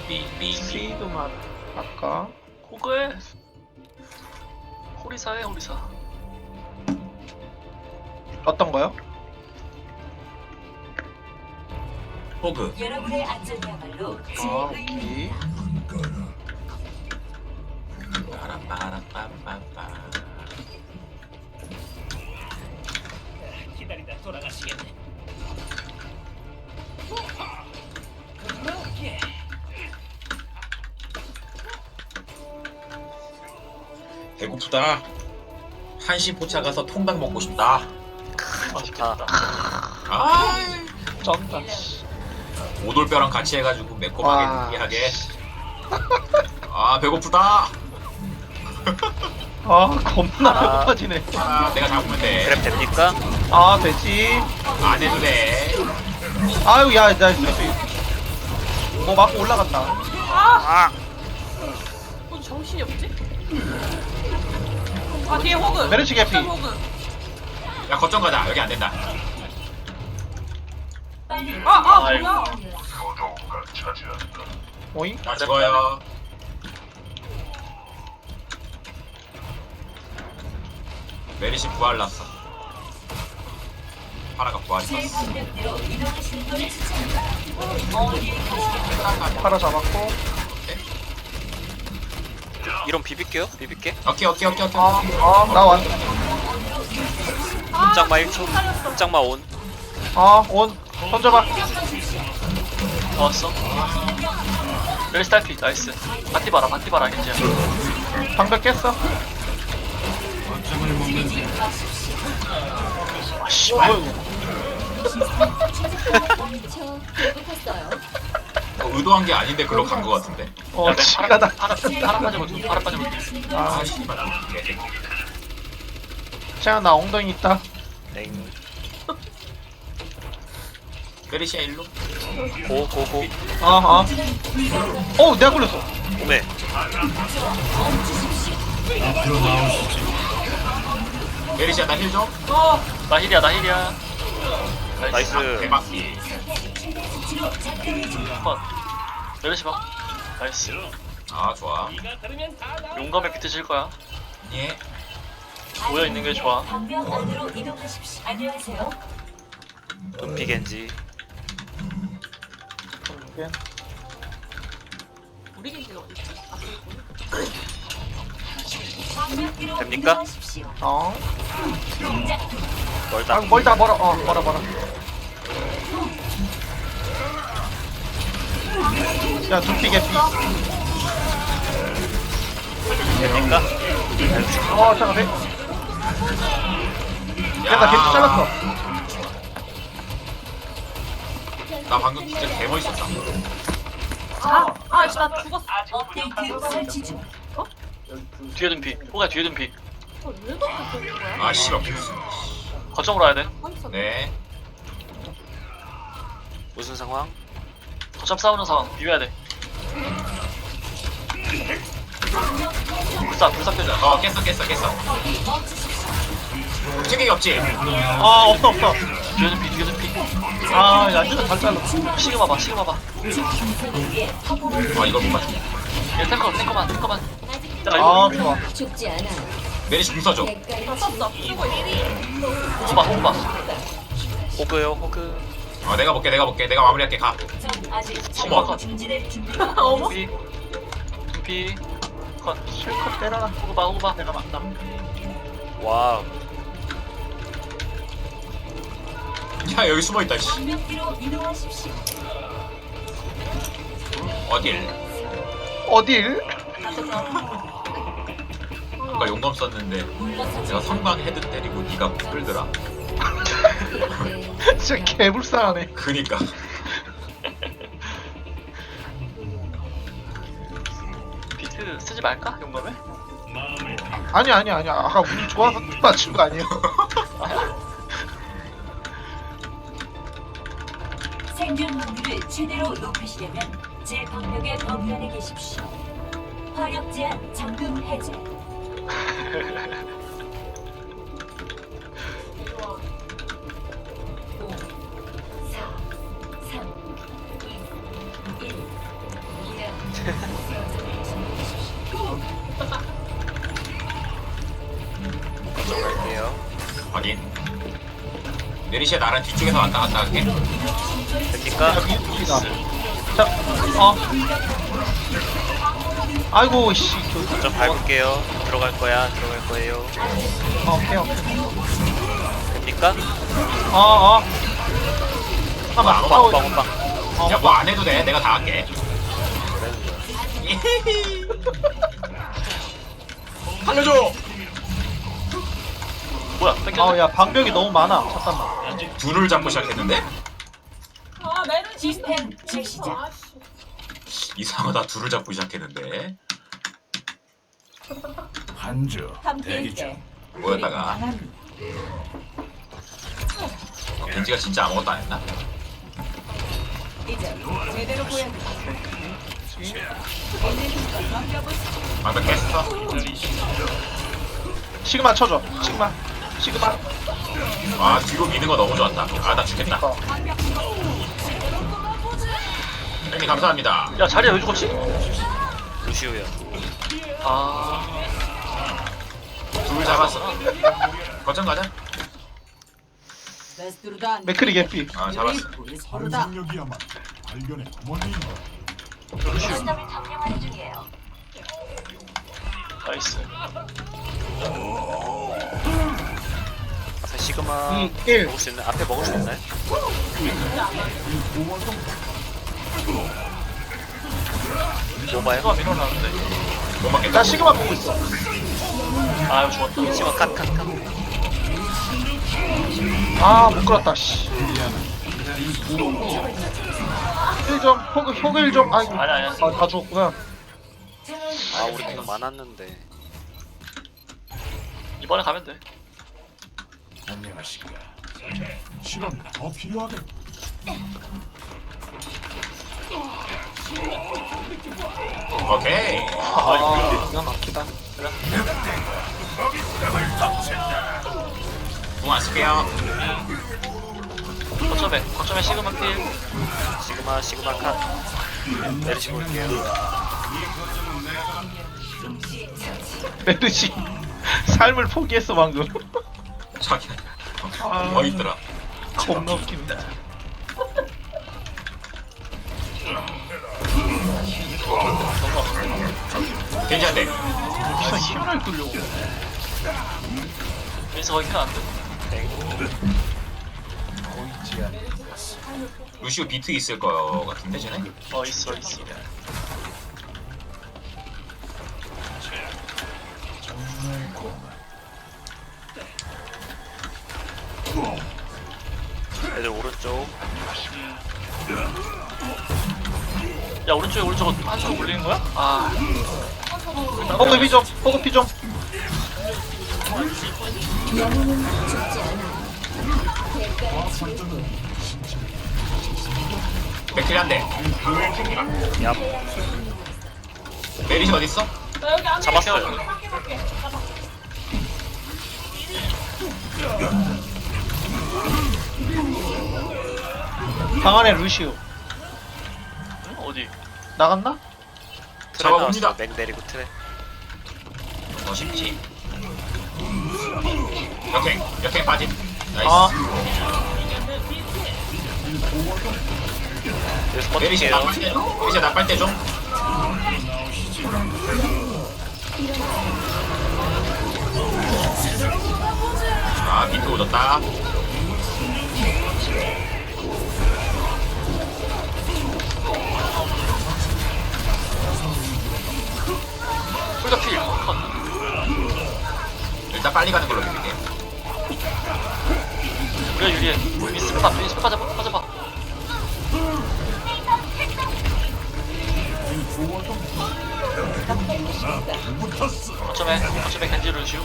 삐삐 C도만 할까? 호그에 호리사에 호리사. 어떤 거요? 호그. 여러분의 안전이야말로 제 오케이. 의무입니다. 빠라빠라빠빠빠. 기다리다 돌아가시겠네. 배고프다. 한신 포차 가서 통닭 먹고 싶다. 맛있겠다. 아, 쩐다. 오돌뼈랑 같이 해가지고 와. 매콤하게 느끼하게. 아, 배고프다. 아 겁나 배고파지네. 아, 내가 잡으면 돼. 그랩 됩니까? 아 되지. 안 해도 돼. 아유 야나 뭐 맞고 올라갔다. 아! 정신이 없지? 아 뒤에 호그. 메르시 개피. 호그. 야, 거점 가자. 여기 안 된다. 뭐야? 오잉? 나 죽어요. 메리시 부활 났어. 파라가 부활 제 있었어. 방법대로 이동하시는 걸 추천합니다. 어디에 가시겠습니까? 팔아 잡았고. 이런 비빌게요? 비빌게. 오케이. 나 왔. 꼼짝마 1초. 꼼짝마 온. 온 던져봐. 나왔어. 멜시 딸피 나이스. 바티 봐라 괜찮아. 방벽 깼어. 아씨 뭐야 의도한 게 아닌데 글로 간 거 같은데. 이거. 지가 나. 파라 빠져봐. 파라 빠져봐. 아 씨발. 쟤야 나 엉덩이 있다. 땡. 메리시야 일로. 고고고. 내가 걸렸어. 오메. 메리시야 나 힐 줘. 나 힐이야. 나이스. 대박. 컷. 멜시 봐. 나이스. 아, 좋아. 용감에 비트 칠 거야. 예. 모여 있는 게 좋아. 방벽 안으로 이동하십시오. 안녕하세요. 둠피 겐지. 우리 기지가 어디 있지? 아 방벽 뒤로 됩니까? 이동하십시오. 멀다. 멀다 멀어. 멀어. 야 두피 개피. 됩니까? 잠깐만. 나 개피 잘랐어. 나 방금 진짜 개멋있었다. 아, 나 죽었어. 업데이트 설치 중. 뒤에 둔피. 호가 뒤에 둔피. 왜 그렇게 된 거야? 아, 씨발. 거점으로 와야 돼. 어디서? 네. 무슨 상황? 거점 싸우는 상황. 비벼야 돼. 불사 껴줘. 깼어. 챙기기 없지? 없어. 뒤에 둔피. 야 진짜 잘 잘랐어. 시그마 봐. 아, 이걸 못 맞추. 얘 탱커만. 좋아. 죽지 않아. 메리시 궁 써줘. 다 썼어. 쓰고 있어. 호바. 호그요 호그. 내가 볼게. 내가 마무리할게. 가. 전 아직 어머. 중지될 준비가 어머. 둔피. 컷. 실컷 때려라. 호바. 내가 맞다. 와. 야, 여기 숨어 있다. 씨. 방벽 뒤로 이동하십시오. 어딜? 아까 용감 썼는데 내가 성광 헤드 때리고 네가 끌더라. 진짜 개불쌍하네. 그니까. 비트 쓰지 말까? 용감에? 아니야. 아까 운이 좋아서 맞춘 거 아니에요? 생존 확률을 최대로 높이시려면 제 방벽의 범위 안에 계십시오. 화력 제한 잠금 해제. 5, 4, 3, 2, 1. 좀 갈게요. 확인. 메리시아 나랑 뒤쪽에서 왔다 갔다 할게. 됩니까? 여기다. 자, 아이고 씨. 좀 밟을게요. 들어갈 거야. 들어갈 거예요. 오케이 오케이. 됩니까? 잠깐만. 호빵 호빵. 야 뭐 안 해도 돼. 내가 다 할게. 살려줘. 뭐야 뺏겼네. 야 방벽이 너무 많아. 잠깐만. 둘을 잡고 시작했는데 아 내는 시스템 재시작. 아씨. 이상하다. 둘을 잡고 시작했는데 한주 대기 중. 함께일게. 뭐였다가 벤지가 진짜 아무것도 안 했나? 이제 제대로 보여드릴게. 방금 깼어. 시그마 쳐줘. 시그마. 아 뒤로 미는 거 너무 좋았다. 아 나 죽겠다. 형님 감사합니다. 야 자리야 왜 죽었지? 루시우야. 아 둘 잡았어. 거점 가자. 맥크리 개피. 아 잡았어. 환상력이야말로 발견의 어머니인가. 거점을 점령하는 중이에요. 나이스. 앞에 시그마 2, 1. 먹을 수 있나? 앞에 먹을 수 있나요? 뭐봐요? 이거 밀어놨는데. 못 맞겠다. 나 시그마 보고 있어. 아 이거 죽었다. 시그마 컷. 못 끌었다. 씨. 1점. 호그 1점. 아이고. 아니야. 다 죽었구나. 아 우리 공 많았는데. 이번에 가면 돼. 안녕하십니까. 실험이 더 필요하겠. 오케이. 기가 막히다. 궁안 쓸게요. 거점에 시그마 필. 시그마 컷. 내리시 볼게요. 메르시 삶을 포기했어 방금. 자기 뭐 있더라. 겁나 웃긴다. 괜찮대. 진짜 힘을 끌려고. 그래서 거기 켜안 돼. 루시오 비트 있을 거 같은데 쟤네? 있어. 애들 오른쪽. 야 오른쪽에 한쪽 올리는 거야? 아 호그 피 좀. 호그 피 좀. 맥클이 한 대. 얍. 메리시 어딨어? 나 여기 안에 잡았어요. 볼게. 잡아. 방 안에 루시오. 어디? 나갔나? 트레 잡아봅니다. 나왔어. 맥 내리고 트레. 더 쉽지. 역행 빠진. 나이스. 여기서 메리시 버틸게요. 나빨 때 좀. 아 비트 오졌다. 풀더 필. 컷. 일단 빨리 가는 걸로 믿을게. 우리가 유리해. 미스파 빠져봐. 거점에 겐지를 주고.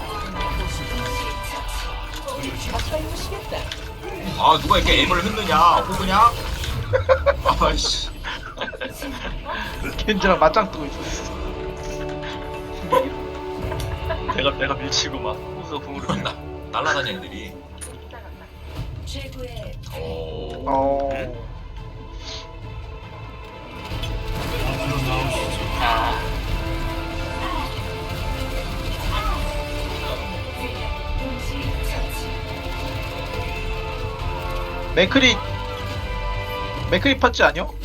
아 누가 이렇게 앱을 흔드냐? 호그냐? 아이씨. 겐지랑 맞짱 뜨고 있었어. 내가 밀치고 막 호서 궁으로. 날라다니는 애들이. 최고의 오. 어. 맥크리 맥크리 팟찌 아니요?